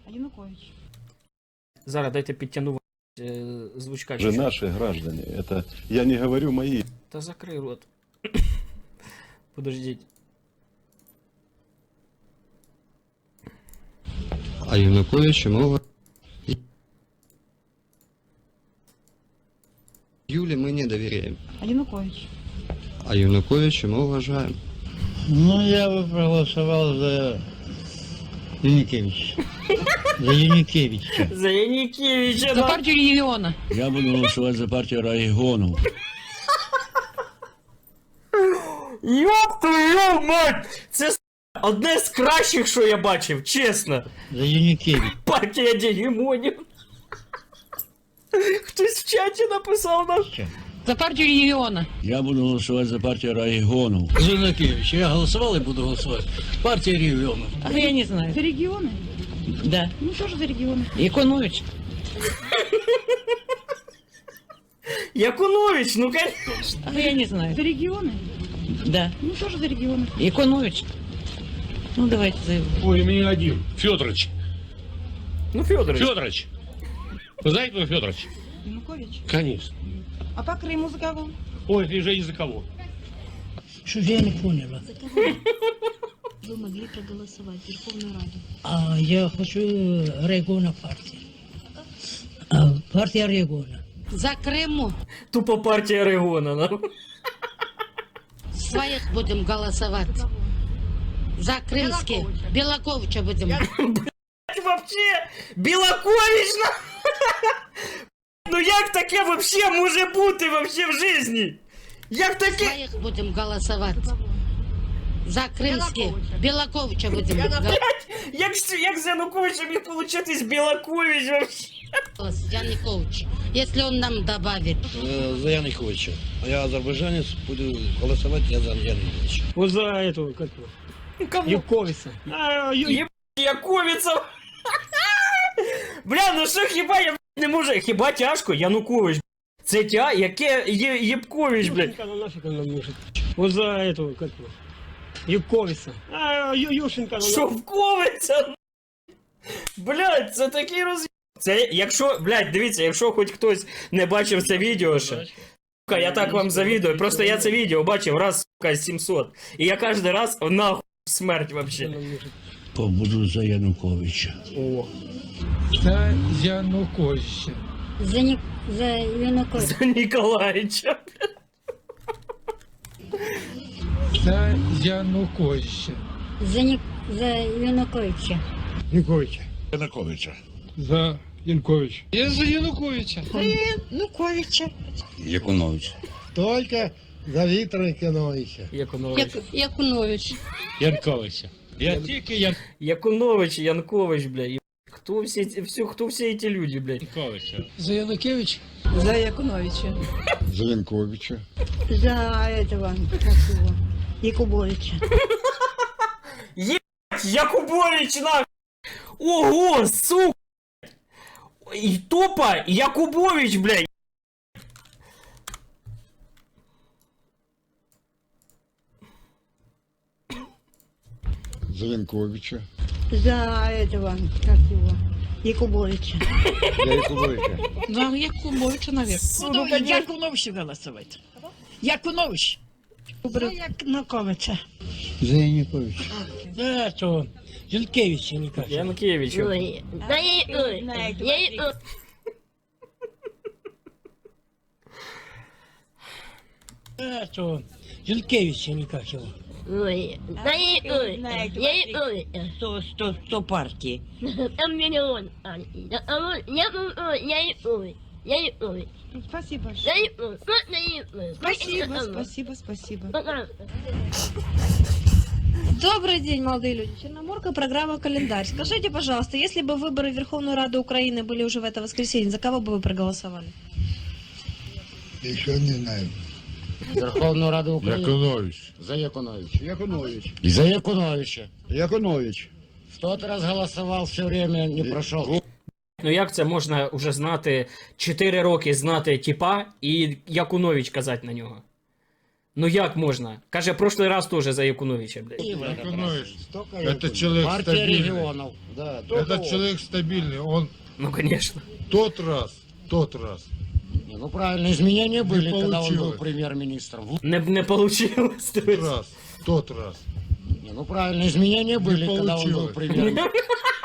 А Янукович. Зараз дайте підтягну звучка. Же наши граждане. Это я не говорю мои. Та закрий рот. Подождіть. А Януковича мы... Юле мы не доверяем. А Янукович. А Януковича мы уважаем. Ну, я бы проголосовал за Яникевича. За Яникевича. За Янікевича. За партию региона. Я буду голосовать за партию регионов. Ёб твою мать! Це одне з кращих, що я бачив, чесно. За Яникевича. Партія Дігімонів. Хтось в чаті написав нам. За партию региона. Я буду голосовать за партию регионов. За Яникевича. Я голосовал и буду голосовать. Партия регионов. А я не знаю. За регионы? Да. Ну тоже за регионы. Якунович. Якунович, ну конечно. А я не знаю. За регионы? Да. Ну тоже за регионы. Якунович. Ну давайте за его. Ой, у меня один. Федорович. Ну, Федорович. Федорович. Вы знаете, кто Федорович? Янукович. Конечно. А по Крыму за кого? Ой, ты же из-за кого? Что я не поняла. За кого вы могли проголосовать в Верховную Раду? А я хочу региона партии. Партия региона. За Крыму Тупо партія Регона. Ну. своих будем голосовать. За крымских. Белаковича будем. Вообще, Білакович, на... Ну як таке вообще може бути вообще в житті? Як таке? Своих будем голосовать. За крымских. Белаковича будем Як з Януковича міг получитись Білакович вообще? голосовать. Янукович. Если он нам добавит. За Яниковича. А я азербайджанец, буду голосовать я за Яниковича. Вот за этого, как его? Кому? Юковица. Яковіця. Бля, ну що хіба я не можу? Хіба тяжко? Янукович. Це яке Єпкович, блядь. Юшенко, ну нафиг он нам нужен. Вот за этого, как его? Юковица. Юшенко, ну Шовковиця. Блядь, це такий роз... Це, якщо, блядь, дивіться, якщо хоч хтось не бачив це відео ще. Сука, я так вам завідую. Просто я це відео бачив раз, сука, 700. І я кожен раз нахуй смерть вообще. Буду за Януковича. О. За Януковича. За Януковича. За Ніколаїча. За Януковича. За Януковича. Януковича. Януковича. За Януковича. Я за Януковича. Януковича. Якунович. Только за Виктора Николаевича. Якунович. Якунович. Януковича. Я тільки Якунович, Янкович, блядь. Хто всі ці люди, блядь? Януковича. За Янукевича. За Якуновича. За Янковича. За этого, как его, Якубовича. Якубович, нахуй! Ого, сука! И тупо Якубович, блядь! За Янковича. За этого, как его, Якубовича. За Якубовича. За Якубовича, наверное. Ну, конечно. Якуновича голосовать. Якунович. За Януковича. За Януковича. За что? Янукевича никак. Янкевич. За что? Янукевича никак его. Сто партии. Спасибо. Спасибо. Добрый день, молодые люди. Черноморка, программа «Календарь». Скажите, пожалуйста, если бы выборы в Верховную Раду Украины были уже в это воскресенье, за кого бы вы проголосовали? Еще не знаю. Верховную Раду Украины. Яковлевич. За Якуновича. Яковлевич. За Якуновича. Яковлевич. 100 раз голосовал, все время не прошел. Ну як це можна уже знати, 4 роки знати типа і Якунович казати на нього? Ну як можна? Каже, прошлий раз теж за Якуновича, блядь. Якунович. Это человек Партия стабильный. регионов. Да, Этот человек стабильный. Он Ну, конечно. тот раз. Не, ну правильно, изменения были, когда он был получилось. премьер-министром. Не получилось. Тот раз. Не, ну правильно, изменения были, когда он был получилось. премьер-министром.